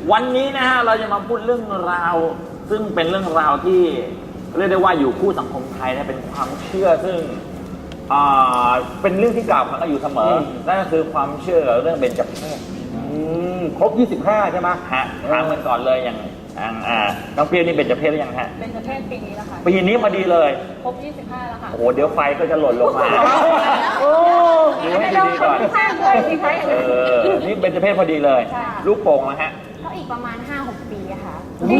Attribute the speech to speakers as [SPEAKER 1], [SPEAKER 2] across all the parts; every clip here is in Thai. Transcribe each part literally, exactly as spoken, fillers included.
[SPEAKER 1] วันนี้นะฮะเราจะมาพูดเรื่องราวซึ่งเป็นเรื่องราวที่เรียกได้ว่าอยู่คู่สังคมไทยนะเป็นความเชื่อซึ่งเป็นเรื่องที่กล่าวขานกันอยู่เสมอนั่นก็คือความเชื่อเรื่องเบญจเพศ
[SPEAKER 2] ครบยี่สิบห้าใช่ไหม
[SPEAKER 1] ฮะถามกันก่อนเลยอย่างอ่าน้องเปียนี่เบญจเพศหรือยังฮะ
[SPEAKER 3] เบญจเพศปีนี้แล้วค่ะ
[SPEAKER 1] ปีนี้พอดีเลย
[SPEAKER 3] ครบยี่สิบห้าแล้วค่ะ
[SPEAKER 1] โอ้โหเดี๋ยวไฟก็จะหล่นลงมา
[SPEAKER 3] โอ้
[SPEAKER 1] ดูให้ดีๆก่อนเออนี่เบญจเพศพอดีเลยลูกโป่งนะฮะ
[SPEAKER 3] ก็อีกประมาณ ห้าหก ปีอะค่ะ
[SPEAKER 1] นี่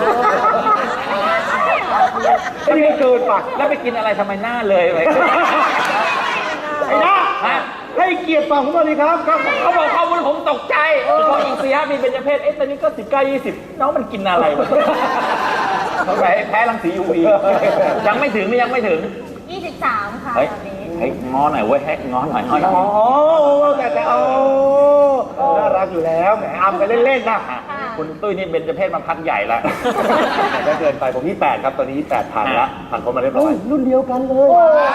[SPEAKER 1] ไม่เกินป่ะแล้วไปกินอะไรทำไมหน้าเลยไป
[SPEAKER 2] ไอ้หน้าให้เกียรติฟังผมหน่อยดีครับ
[SPEAKER 1] เขาบอกข้อมูลผมตกใจพออีกสี่ห้าปีเป็นประเภทเอ๊ะตอนนี้ก็สิบเก้ายี่สิบน้องมันกินอะไรวะเขาแพ้แพ้รังสี ยู วี ยังไม่ถึงยังไม่ถึง
[SPEAKER 3] ยี่สิบสามค่ะตอนนี้
[SPEAKER 1] เฮ้ยง้อหน่อยเว้ยแฮกง้อหน่อยง้อหน่อย
[SPEAKER 2] อ๋อแต่แต่โอ้น่ารักอยู่แล้วแหมอำไปเล่นๆนะ
[SPEAKER 1] คุณตุ้ยนี่เป็นประเภทมาพักใหญ่ละ
[SPEAKER 2] ก็เกินไปผมยี่สิบแปดครับตอนนี้ยี่สิบแปดผ่านแล้วผ่านคนมาเรียบร้อยรุ่นเดียวกันเลย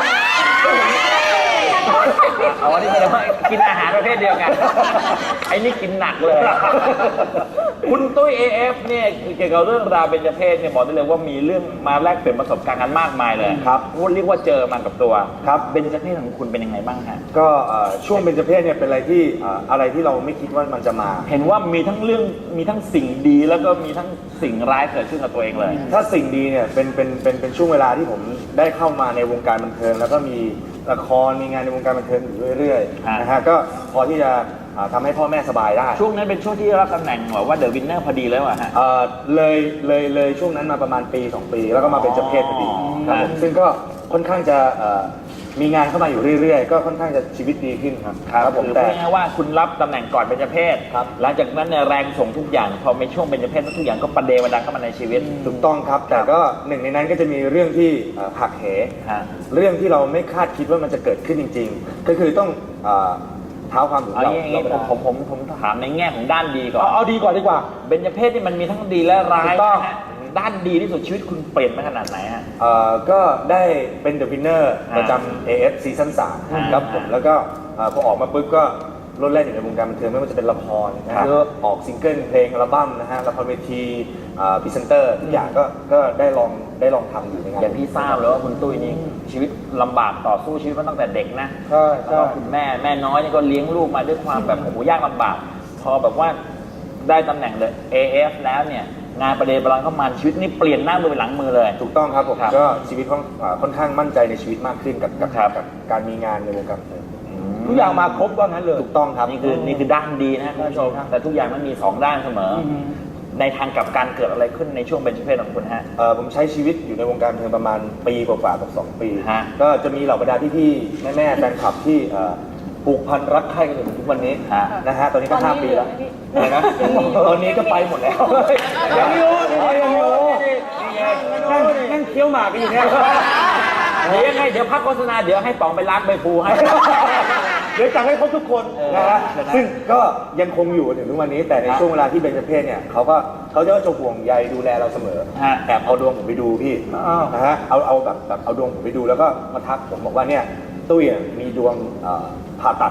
[SPEAKER 1] เอาอันนี้แสดงว่ากินอาหารประเภทเดียวกันไอ้นี่กินหนักเลยคุณตุ้ย เอ เอฟ เนี่ยเกี่ยวกับเรื่องราวเบญจเพศเนี่ยบอกได้เลยว่ามีเรื่องมาแลกเปลี่ยนประสบการณ์กันมากมายเลย
[SPEAKER 2] ครับ
[SPEAKER 1] เรียกว่าเจอมากับตัวครับเบญจเพศของคุณเป็นยังไงบ้างฮะ
[SPEAKER 2] ก็ช่วงเบญจเพศเนี่ยเป็นอะไรที่อะไรที่เราไม่คิดว่ามันจะมา
[SPEAKER 1] เห็นว่ามีทั้งเรื่องมีทั้งสิ่งดีแล้วก็มีทั้งสิ่งร้ายเกิดขึ้นกับตัวเองเลย
[SPEAKER 2] ถ้าสิ่งดีเนี่ยเป็นเป็นเป็นเป็นช่วงเวลาที่ผมได้เข้ามาในวงการบันเทิงแล้วก็มีละครมีงานในวงการบันเทิงอยู่เรื่อยๆนะฮะก็พอที่จะทำให้พ่อแม่สบายได้
[SPEAKER 1] ช่วงนั้นเป็นช่วงที่รับตำแหน่งว่าเดอะวินเนอร์พอดีแล้วอะฮะ
[SPEAKER 2] เลยเลยเลยช่วงนั้นมาประมาณปีสองปีแล้วก็มาเป็นเจ้าเพศพอดีครับผมซึ่งก็ค่อนข้างจะมีงานเข้ามาอยู่เรื่อยๆก็ค่อนข้างจะชีวิตดีขึ้นครับ
[SPEAKER 1] ครับผมแต่ว่าคุณรับตำแหน่งก่อนเป็นเจ้าเพศหลังจากนั้นเนี่ยแรงส่งทุกอย่างพอในช่วงเป็นเจ้าเพศทุกอย่างก็ประเดประดังเข้ามาในชีวิต
[SPEAKER 2] ถูกต้องครับแต่ก็หนึ่งในนั้นก็จะมีเรื่องที่หักเหเรื่องที่เราไม่คาดคิดว่ามันจะเกิดขึ้นจริงๆก็คือต้องเท้าความถึงเรา
[SPEAKER 1] ผมผมผมถามในแง่ของด้านดีก่อน
[SPEAKER 2] เอาดีกว่าดีกว่า
[SPEAKER 1] เบญจเพศนี่มันมีทั้งดีและร้ายด้านดีที่สุดชีวิตคุณเปลี่ยนไปขนาดไหนฮะ
[SPEAKER 2] เอ่อก็ได้เป็นเดอะวินเนอร์ประจำ เอ เอฟ ซีซั่นสามครับผมแล้วก็พอออกมาปุ๊บก็รุ่นแรกอยู่ในวงการบันเทิงไม่ว่าจะเป็นละครนะฮะออกซิงเกิลเพลงอัลบั้มนะฮะละครเวทีพรีเซนเตอร์ทุกอย่างก็ก็ได้ลองได้ลองทำอยู่ในงาน
[SPEAKER 1] อย่างที่ทราบเลยว่าคุณตุ้ยนี่ชีวิตลำบากต่อสู้ชีวิตมาตั้งแต่เด็กนะ
[SPEAKER 2] ใช่
[SPEAKER 1] ใช่คุณแม่แม่น้อยนี่ก็เลี้ยงลูกมาด้วยความแบบโอ้โหยากลำบากพอแบบว่าได้ตำแหน่งเลย เอ เอฟ แล้วเนี่ยงานประเดประดังเข้ามาชีวิตนี่เปลี่ยนหน้ามือเป็นหลังมือเลย
[SPEAKER 2] ถูกต้องครับผมก็ชีวิตค่อนข้างมั่นใจในชีวิตมากขึ้นกับกับการมีงานในวงการทุกอย่างมาครบว่างั้นเลยถูกต้องครับ
[SPEAKER 1] นี่คือนี่คือด้านดีนะท่านผู้ชมแต่ทุกอย่างมันมีสองด้านเสมอในทางกับการเกิดอะไรขึ้นในช่วงเบญจเพศของคุณฮะ
[SPEAKER 2] ผมใช้ชีวิตอยู่ในวงการบันเทิงประมาณปีกว่าๆกับสองปีก็จะมีเหล่าบรรดาพี่ๆแม่ๆแฟนคลับที่ผูกพันรักใคร่กันอยู่ทุกวันนี้นะฮะตอนนี้ก็ห้าปีแล้วนะตอนนี้ก็ไปหมดแล้วยังอยู่ยังอยู่นั่งเคี้ยวหมากกันอยู่เนี่ย
[SPEAKER 1] เดี๋ยวยังไงเดี๋ยวพักโฆษณาเดี๋ยวให้ป๋องไปล้างใบพลูให้
[SPEAKER 2] เดี๋ยวจัดให้ครบทุกคนนะฮะซึ่งก็ยังคงอยู่ถึงทุกวันนี้แต่ในช่วงเวลาที่เบญจเพศเนี่ยเขาก็เขาจะจะห่วงใยดูแลเราเสมอแอบเอาดวงผมไปดูพี่นะฮะเอาเอาแบบแบบเอาดวงผมไปดูแล้วก็มาทักผมบอกว่าเนี่ยตุ้ยมีดวงผ่าตัด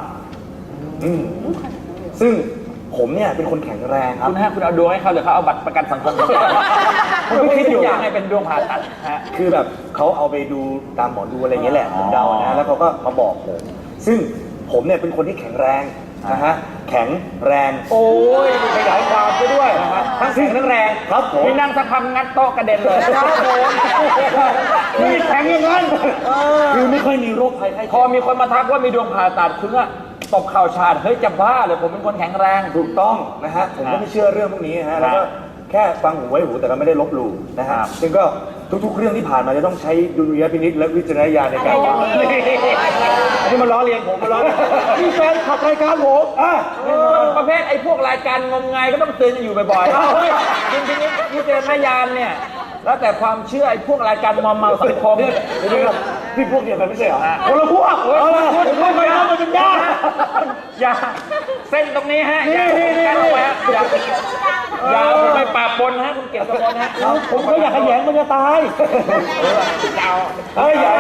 [SPEAKER 2] ซึ่งผมเนี่ยเป็นคนแข็งแรงครับ
[SPEAKER 1] คุณฮะคุณเอาดวงให้เขาหรือเขาเอาบัตรประกันสังคมผมไม่คิดอยู่อย่างไรเป็นดวงผ่าตัดฮะ
[SPEAKER 2] คือแบบเขาเอาไปดูตามหมอดูอะไรอย่างเงี้ยแหละผมเดานะแล้วเขาก็มาบอกผมซึ่งผมเนี่ยเป็นคนที่แข็งแรงนะฮะแข็งแรง
[SPEAKER 1] โอ้ยขยายความไปด้วยนะฮะทั้งแข็งทั้งแรง
[SPEAKER 2] ครับผม
[SPEAKER 1] นี่นั่งสักพักงัดโต๊ะกระเด็นเลยครับผม
[SPEAKER 2] นี่แข็งอย่างนั้นคือไม่ค่อยมีโรคภัยไข้เจ็บ
[SPEAKER 1] พอมีคนมาทักว่ามีดวงผ่าตัดคุณว่าตบเข่าชาดเฮ้ยจะบ้าเลยผมเป็นคนแข็งแรง
[SPEAKER 2] ถูกต้องนะฮะผมก็ไม่เชื่อเรื่องพวกนี้นะฮะแล้วก็แค่ฟังหูไว้หูแต่ก็ไม่ได้ลบหลู่นะฮะซึ่งก็ทุกๆเรื่องที่ผ่านมาจะต้องใช้ดุลยพินิจและวิจารณญาณในการฟังอันนี้มาล้อเลียนผมมาล้อนี่แฟนขับรายการผมอ่ะ
[SPEAKER 1] ประเภทไอ้พวกรายการงมงายก็ต้องเตือนอยู่บ่อยๆจริงๆวิจารณญาณเนี่ยแล้วแต่ความเชื่อไอ้พวกรายการมอมเมาสังคม
[SPEAKER 2] พี่พวกเดียวกันไม่ใช่เหรอ
[SPEAKER 1] คนละพวกคนละพวกไม่ไม่เอามันเป็นยาอย่าเส้นตรงนี้ฮะอย่าการเอาไว้อย่าอย่าไปปราบปนฮะคุณเกียรติกมลฮะ
[SPEAKER 2] ผมก็อยากขยันมันจะตาย
[SPEAKER 1] เฮ้ยอย่า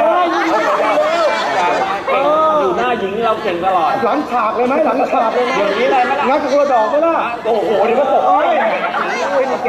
[SPEAKER 1] อยู่หน้าหญิงเราเก่งตลอด
[SPEAKER 2] หลังฉากเลยไหมหลังฉากเลย
[SPEAKER 1] เดี๋ยวนี้อะไรไหมล่ะ
[SPEAKER 2] งัดกระโดดดอกไหมล่ะ
[SPEAKER 1] โอ้โหเดี๋ยวก็ตก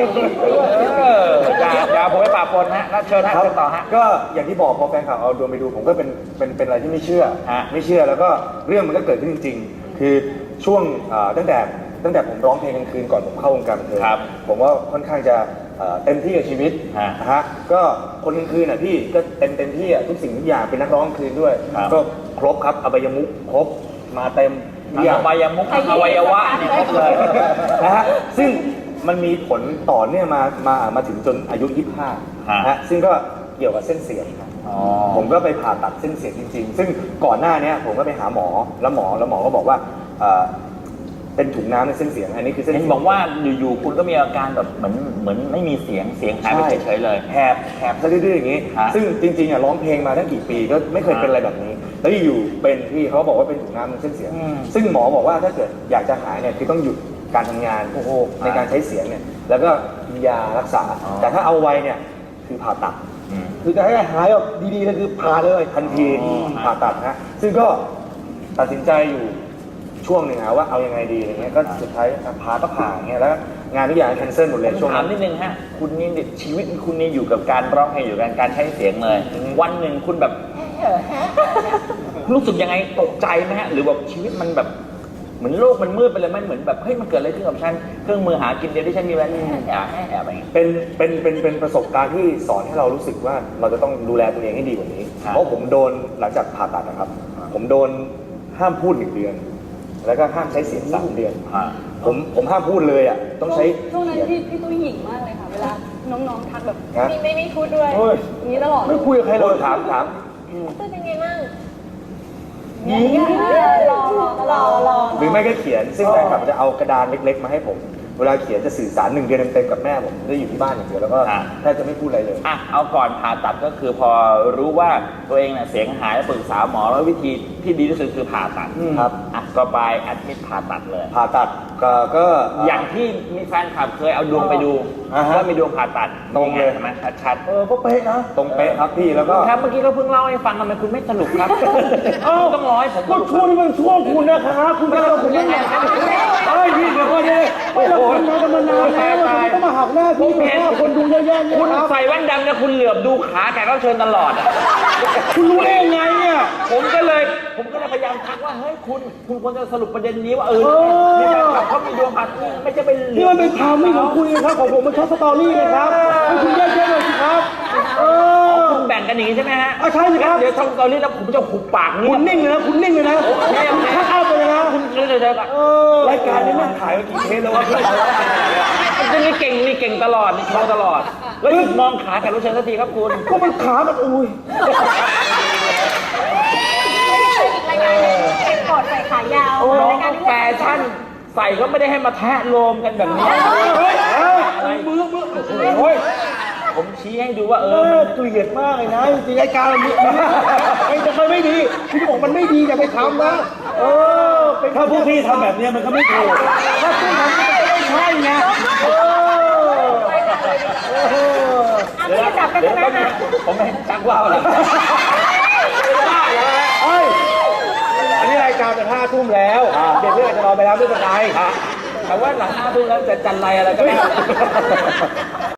[SPEAKER 1] เอออย่าอย่าผมไปปราบปนฮะแล้วเชิญฮะ
[SPEAKER 2] ครับ
[SPEAKER 1] เชิญต่อฮะ
[SPEAKER 2] ก็อย่างที่บอกพอแฟนข่าวเอาดวงไปดูผมก็เป็นเป็นเป็นอะไรที่ไม่เชื่อ
[SPEAKER 1] ฮะ
[SPEAKER 2] ไม่เชื่อแล้วก็เรื่องมันก็เกิดขึ้นจริง ๆ คือช่วงเอ่อตั้งแต่ตั้งแต่ผมร้องเพลงกลางคืนก่อนผมเข้าวงการบันเทิง
[SPEAKER 1] ครับ
[SPEAKER 2] ผมว่าค่อนข้างจะเอ่อเต็มที่กับชีวิต
[SPEAKER 1] ฮะ
[SPEAKER 2] นะฮะก็คนกลางคืนอ่ะพี่ก็เต็มเต็มที่อ่ะทุกสิ่งทุกอย่างเป็นนักร้องกลางคืนด้วย
[SPEAKER 1] ครับ
[SPEAKER 2] ก็ครบครับอบายมุขครบมาเต็มทุกอย่าง
[SPEAKER 1] อวัยวมุขอวัยวะเนี่ยครบเลย
[SPEAKER 2] นะฮะซึ่งมันมีผลต่อเนื่องมามามาถึงจนอายุยี่สิบห้า
[SPEAKER 1] ฮะ
[SPEAKER 2] นะฮะซึ่งก็เกี่ยวกับเส้นเสียงครับ
[SPEAKER 1] อ๋อ
[SPEAKER 2] ผมก็ไปผ่าตัดเส้นเสียงจริงๆ ซึ่งก่อนหน้าเนี้ยผมก็ไปหาหมอแล้วหมอแล้วหมอก็บอกว่าเอ่อเป็นถุงน้ำในเส้นเสียงอันนี้คือเส้น
[SPEAKER 1] เห็น
[SPEAKER 2] เสียง
[SPEAKER 1] บอกว่าอยู่ๆคุณก็มีอาการแบบเหมือนเหมือนไม่มีเสียงเสียงหายไปเฉยๆเลย
[SPEAKER 2] แหบแหบซะดื้อๆอย่างนี้
[SPEAKER 1] ฮะ
[SPEAKER 2] ซึ่งจริงๆอ่ะร้องเพลงมาตั้งกี่ปีก็ไม่เคยเป็นอะไรแบบนี้ แล้วอยู่ๆเป็นพี่เขาบอกว่าเป็นถุงน้ำในเส้นเสียง
[SPEAKER 1] อืม
[SPEAKER 2] ซึ่งหมอบอกว่าถ้าเกิดอยากจะหายเนี่ยคือต้องหยุดการทำงานในการใช้เสียงเนี่ยแล้วก็กินยารักษา
[SPEAKER 1] อ๋อ
[SPEAKER 2] แต่ถ้าเอาไว้เนี่ยคือผ่าตัด
[SPEAKER 1] อืม
[SPEAKER 2] คือจะให้หายแบบดีๆเลยคือผ่าเลยทันที
[SPEAKER 1] อ๋อ
[SPEAKER 2] ผ่าตัดฮะซึ่งก็ตัดสินใจอยู่ช่วงหนึ่งนะว่าเอายังไงดีอะไรเงี้ยก็สุดท้ายผ่าก็ผ่าอย่างเงี้ยแล้วงานทุกอย่างแคนเซิลหมดเลย
[SPEAKER 1] ผม
[SPEAKER 2] ช่วง
[SPEAKER 1] ถา
[SPEAKER 2] นั้
[SPEAKER 1] ม
[SPEAKER 2] น
[SPEAKER 1] นิดนึงฮะ คุณนี่ชีวิตคุณนี่อยู่กับการร้องเพลงอยู่กับการใช้เสียงเลย วันหนึ่งคุณแบบรู้สึกยังไงตกใจไหมฮะ หรือแบบชีวิตมันแบบเหมือนโลกมันมืดไปเลยมันเหมือนแบบเฮ้ยมันเกิดอะไรขึ้นกับฉันเครื่องมือหากินเดียวที่ฉันมีแค่แอบแอบอะไรอย่างเงี้ย
[SPEAKER 2] เป็นเป็นเป็นเป็นประสบการณ์ที่สอนให้เรารู้สึกว่าเราจะต้องดูแลตัวเองให้ดีกว่านี้
[SPEAKER 1] ครับ
[SPEAKER 2] เพราะผมโดนหลังจากผ่าตัดนะครับ ผมโดนห้ามพูดหนึ่งเดือน แล้วก็ห้ามใช้เสียงสามเดือน
[SPEAKER 1] อ่า
[SPEAKER 2] ผมผมห้ามพูดเลยอ่ะต้องใช้
[SPEAKER 4] ช่วงนั้น
[SPEAKER 2] เสียง
[SPEAKER 4] พี่พี่ตุ้ยหยิ่งมากเลยค่ะ เวลาน้องๆทักแบบ
[SPEAKER 2] ฮะ
[SPEAKER 4] ไม่ไม่ไม่พูดด้วย
[SPEAKER 2] โอ้ย
[SPEAKER 4] อย่างนี้ตลอด
[SPEAKER 2] ไม่คุยกับใครเลยถามถาม
[SPEAKER 3] ตุ้ยเป็นไงบ้าง
[SPEAKER 4] รอรอรอรอ
[SPEAKER 2] หรือไม่ก็เขียน ซึ่งแฟนคลับจะเอากระดานเล็ก ๆ มาให้ผม เวลาเขียนจะสื่อสารหนึ่งเดือนเต็มๆกับแม่ผมได้อยู่ที่บ้านอย่างเดียวแล้วก็
[SPEAKER 1] อ่า
[SPEAKER 2] แทบจะไม่พูดอะไรเลย
[SPEAKER 1] อ่ะเอาก่อนผ่าตัดก็คือพอรู้ว่าตัวเองเนี่ยเสียงหายแล้วปรึกษาหมอแล้ววิธีที่ดีที่สุดคือผ่าตัด
[SPEAKER 2] ครับ
[SPEAKER 1] อ่ะก็ไปแอดมิดผ่าตัดเลย
[SPEAKER 2] ผ่าตัดก็ก็
[SPEAKER 1] อย่างที่มีแฟนคลับเคยเอาดวงไปดู
[SPEAKER 2] อ่าฮะ
[SPEAKER 1] ว่ามีดวงผ่าตัด
[SPEAKER 2] ตรงเลย
[SPEAKER 1] ใช่ไหมชัดๆ
[SPEAKER 2] เออก็เป๊ะนะตรงเป๊ะครับพี่แล้วก็
[SPEAKER 1] ครับเมื่อกี้ก็เพิ่งเล่าให้ฟังทำไมคุณไม่สนุกครับ
[SPEAKER 2] เอ้า
[SPEAKER 1] ต้องร้อยผม
[SPEAKER 2] ก็ช่วงนี้มันช่วงคุณนะครับคุณก็เราผมไม่อยากเอ้ยพี่เดี๋ยวก่อนดิไม่เราทำงานกันมานานแล้วเราไม่ต้องมาหักหน้าพี่หักหน้าคนดูเยอะแยะเนี่ย
[SPEAKER 1] คุณ
[SPEAKER 2] ครับ
[SPEAKER 1] ใส่แว่นดำเนี่ยคุณเหลือบดูขาแขกรับเชิญตลอดอะ
[SPEAKER 2] คุณรู้ได้ยังไงเนี่ย
[SPEAKER 1] ผมก็เลยผมก็เลยพยายามทักว่าเฮ้ยคุณคุณควรจะสรุปประเด็นนี้ว่าเออ
[SPEAKER 2] เออ
[SPEAKER 1] นี่แฟนคลับเขามีดวงผ่าตัดไม่ใช่เป็นเหลื
[SPEAKER 2] นี่
[SPEAKER 1] อบ
[SPEAKER 2] มันเป็นข่าวไม่ของคุณนะครับของผมมันช็อตสตอรี่นะครับให้คุณแยกแยะหน่อยสิครับเออ
[SPEAKER 1] คุณแบ่งกันอย่างนี้ใช่ไหมฮะ
[SPEAKER 2] อ่ะใช่สิครับ
[SPEAKER 1] เดี๋ยวช่องตอนนี้แล้วผมจะหุบปาก
[SPEAKER 2] คุ
[SPEAKER 1] เงีย
[SPEAKER 2] ณ
[SPEAKER 1] บ
[SPEAKER 2] นิ่งเลยนะคุณนิ่งเลยนะคุณทักเอาไปเลยนะ
[SPEAKER 1] คุณเลยเลยเลย
[SPEAKER 2] เออรายการนี้มันถ่ายมากี่เทปแล้ววะพี่
[SPEAKER 1] จะมีเก่งมีเก่งตลอดมีโชว์ตลอด แล้วหยุดมองขาแขกรับเชิญสักทีครับคุณ
[SPEAKER 2] ก็มันขามันอุ้ย
[SPEAKER 3] รายการเก็บกดใส่ขายาว
[SPEAKER 1] น้อง
[SPEAKER 3] รายการ
[SPEAKER 1] ก็แฟชั่นใส่ก็ไม่ได้ให้มาแทะโลมกันแบบนี้
[SPEAKER 2] เฮ้ยเฮ้ย
[SPEAKER 1] อะไร
[SPEAKER 2] มือมือโอ้ย
[SPEAKER 1] ผมชี้ให้ดูว่าเอ
[SPEAKER 2] เอ
[SPEAKER 1] อ
[SPEAKER 2] อเกลียดมากเลยนะจริงๆรายการมันมีไอ้จะเคยไม่ดีคุณบอกมันไม่ดีอย่าไปทำนะเออเป็นถ้าพวกพี่ทำแบบนี้มันก็ไม่ถูกถ้าพี่ทำมันก็ไม่ใช่ไงเออเออ
[SPEAKER 3] อ่ะพี่จะจับกัน
[SPEAKER 1] เดี๋ย
[SPEAKER 3] ใช่
[SPEAKER 1] ว
[SPEAKER 3] ไหม
[SPEAKER 1] ก็
[SPEAKER 3] คะ
[SPEAKER 1] ผมไม่ชักว่าวเลย
[SPEAKER 2] เฮ้ยอันนี้รายการจะห้าทุ่มแล้วเด็กเพื่อนอาจจะนอนไปแล้วไม่เป็นไร
[SPEAKER 1] แต่ว่าหลังห้าทุ่มแล้วจะจันไรอะไรก็ได้